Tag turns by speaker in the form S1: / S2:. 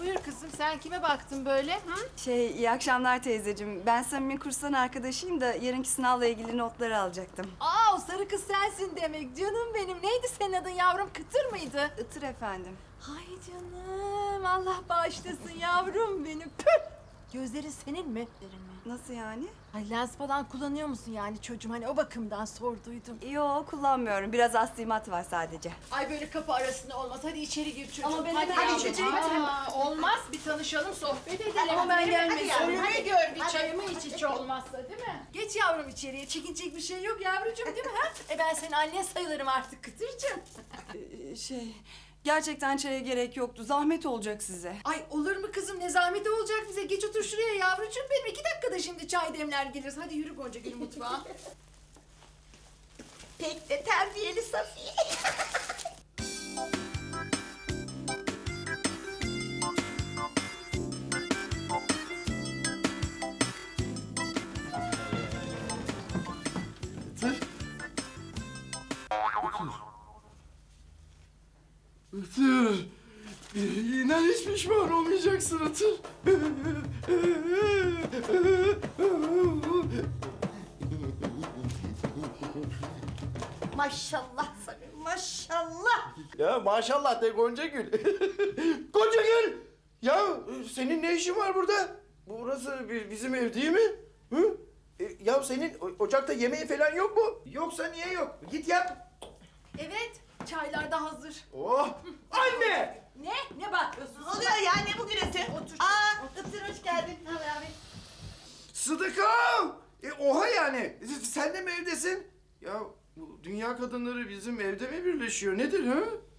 S1: Buyur kızım, sen kime baktın böyle? Hı?
S2: İyi akşamlar teyzeciğim. Ben Samim'in kurstan arkadaşıyım da yarınki sınavla ilgili notları alacaktım.
S1: Aa, o sarı kız sensin demek. Canım benim. Neydi senin adın yavrum? Kıtır mıydı?
S2: Itır efendim.
S1: Ay canım. Allah bağışlasın yavrum benim. Püh! Gözlerin senin mi? Gözlerin mi?
S2: Nasıl yani?
S1: Ay lens falan kullanıyor musun yani çocuğum? Hani o bakımdan sorduydum.
S2: Yo, kullanmıyorum. Biraz astigmat var sadece.
S1: Ay böyle kapı arasında olmaz. Hadi içeri gir çocuğum.
S2: Ama ben
S1: hadi
S2: hemen
S1: yavrum.
S2: içeceğim.
S1: Olmaz. Bir tanışalım, sohbet edelim.
S2: Ama ben gelmesin.
S1: Önümü gör, bir çayımı iç olmazsa değil mi? Geç yavrum içeriye. Çekinecek bir şey yok yavrucuğum değil mi? Ha? Ben senin annen sayılırım artık Kıtırcığım.
S2: Gerçekten çaya gerek yoktu. Zahmet olacak size.
S1: Ay olur mu kızım? Ne zahmeti olacak bize? Geç otur şuraya yavrucuğum benim. 2 dakikada şimdi çay demler geliriz. Hadi yürü Gonca Gül mutfağa.
S3: Pek de terbiyeli Safiye.
S4: Itır. İnan hiç pişman olmayacaksın Itır.
S3: Maşallah Samim, maşallah.
S4: Ya maşallah de Gonca Gül. Gonca Gül! Ya senin ne işin var burada? Burası bizim ev değil mi? Hı? Ya senin ocakta yemeği falan yok mu? Yoksa niye yok? Git yap.
S1: Evet, çaylar da hazır.
S4: Oh! Anne!
S1: Ne bakıyorsun?
S3: Ne oluyor ya, ne bu gürültü?
S1: Otur.
S3: Itır hoş geldin. Ne haber abi?
S4: Sıdıkam! Oha yani. Sen de mi evdesin? Ya bu dünya kadınları bizim evde mi birleşiyor? Nedir ha?